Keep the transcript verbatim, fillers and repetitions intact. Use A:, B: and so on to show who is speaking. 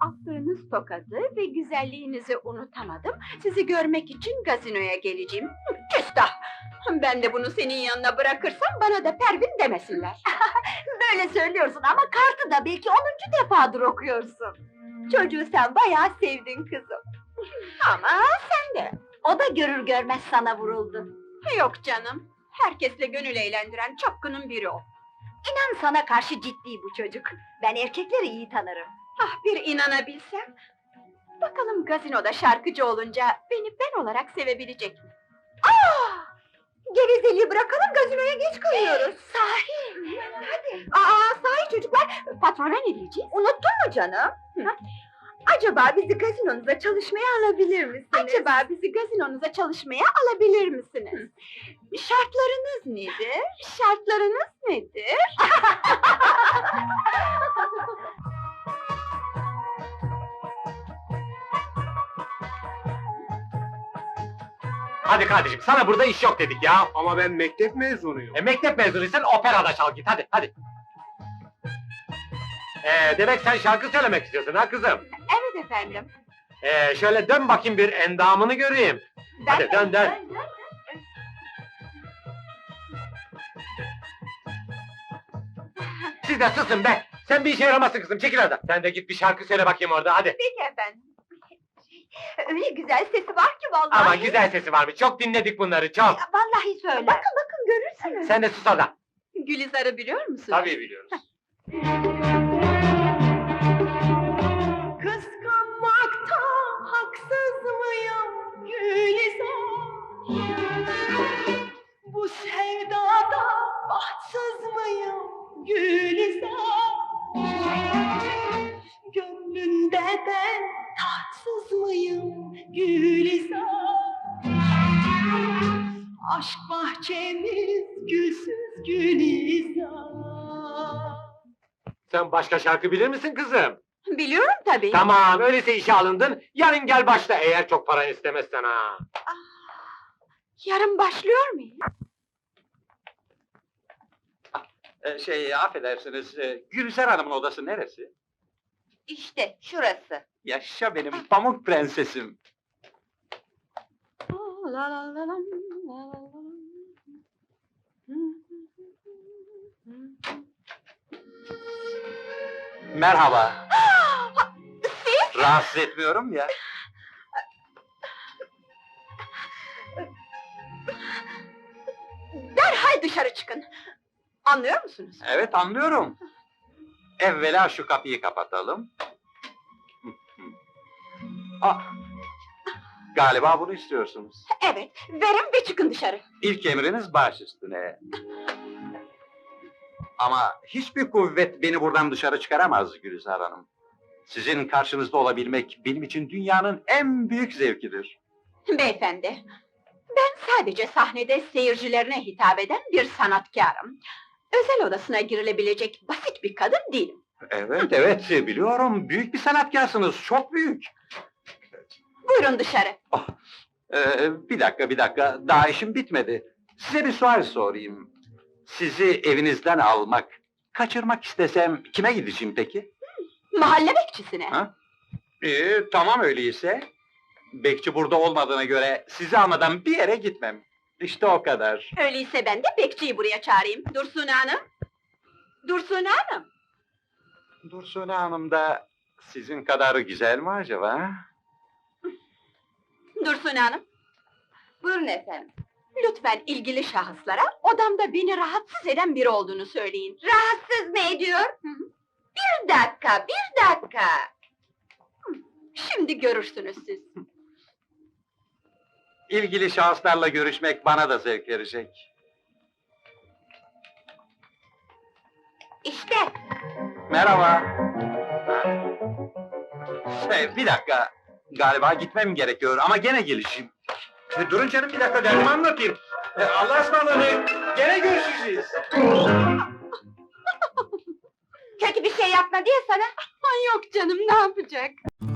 A: attığınız tokadı ve güzelliğinizi unutamadım. Sizi görmek için gazinoya geleceğim. Hı, Küstah! Ben de bunu senin yanına bırakırsam bana da Pervin demesinler.
B: Böyle söylüyorsun ama kartı da belki onuncu defadır okuyorsun. Çocuğu sen bayağı sevdin kızım.
A: Ama sen de.
B: O da görür görmez sana vuruldu.
A: Yok canım. Herkesle gönül eğlendiren çapkının biri o.
B: İnan sana karşı ciddi bu çocuk. Ben erkekleri iyi tanırım.
A: Ah bir inanabilsem. Bakalım gazinoda şarkıcı olunca beni ben olarak sevebilecek mi? Aa! Gevezeliği bırakalım, gazinoya geç kalıyoruz.
B: Sahi! Hadi!
A: Aa, sahi çocuklar, patrona ne diyeceğiz?
B: Unuttun mu canım?
A: Hı.
B: Acaba bizi gazinonuza çalışmaya alabilir misiniz?
A: Acaba bizi gazinonuza çalışmaya alabilir misiniz? Şartlarınız nedir? Şartlarınız nedir?
C: Hadi kardeşim, sana burada iş yok dedik ya.
D: Ama ben mektep mezunuyum.
C: E, mektep mezunuysan operada çal git, hadi, hadi. Ee, demek sen şarkı söylemek istiyorsun ha kızım?
A: Evet efendim.
C: Ee, şöyle dön bakayım bir endamını göreyim. Hadi dön dön. Siz de susun be! Sen bir işe yaramazsın kızım, çekil oradan. Sen de git bir şarkı söyle bakayım orada, hadi.
B: Peki efendim. Öyle güzel sesi var ki vallahi.
C: Ama güzel sesi varmış, çok dinledik bunları, çok.
B: Vallahi söyle. Bakın bakın görürsünüz.
C: Sen de sus orada.
A: Gülizar'ı biliyor musun?
C: Tabii biliyoruz.
A: Kıskanmakta haksız mıyım Gülizar? Bu sevdada bahtsız mıyım Gülizar? Gönlünde ben tatsız mıyım Gülizar? Aşk bahçemiz gülsüz Gülizar.
C: Sen başka şarkı bilir misin kızım?
A: Biliyorum tabii.
C: Tamam, öyleyse işe alındın. Yarın gel başla eğer çok paran istemezsen ha.
A: Yarın başlıyor muyum?
E: Ee, şey, affedersiniz, e, Gülser Hanım'ın odası neresi?
B: İşte şurası.
E: Yaşa benim pamuk prensesim.
A: La la la la, la la la.
E: Merhaba. Rahatsız etmiyorum ya.
A: Derhal dışarı çıkın. Anlıyor musunuz?
E: Evet, anlıyorum. Evvela şu kapıyı kapatalım. Ah, galiba bunu istiyorsunuz.
A: Evet, verin ve çıkın dışarı.
E: İlk emriniz baş üstüne. Ama hiçbir kuvvet beni buradan dışarı çıkaramaz Gülizar Hanım. Sizin karşınızda olabilmek benim için dünyanın en büyük zevkidir.
A: Beyefendi, ben sadece sahnede seyircilerine hitap eden bir sanatkarım. Özel odasına girilebilecek basit bir kadın değilim.
E: Evet, evet, biliyorum. Büyük bir sanatkarsınız, çok büyük.
A: Buyurun dışarı.
E: Ee, bir dakika, bir dakika. Daha işim bitmedi. Size bir sual sorayım. Sizi evinizden almak, kaçırmak istesem kime gideceğim peki?
A: Mahalle bekçisine.
E: Ha? Ee, tamam öyleyse. Bekçi burada olmadığına göre sizi almadan bir yere gitmem. İşte o kadar.
A: Öyleyse ben de bekçiyi buraya çağırayım. Dursun Hanım. Dursun Hanım.
E: Dursun Hanım da sizin kadar güzel mi acaba?
A: Dursun Hanım.
B: Buyurun efendim.
A: Lütfen ilgili şahıslara odamda beni rahatsız eden biri olduğunu söyleyin.
B: Rahatsız mı ediyor?
A: Hı hı.
B: Bir dakika, bir dakika.
A: Şimdi görürsünüz siz.
E: İlgili şahıslarla görüşmek bana da zevk verecek.
B: İşte.
E: Merhaba. Şey, bir dakika. Galiba gitmem gerekiyor ama gene gelişeyim. E, durun canım bir dakika derdimi anlatayım. E, Allah'a ısmarladık. Gene görüşeceğiz.
B: Kötü bir şey yapma diye sana.
A: Ay yok canım, ne yapacak?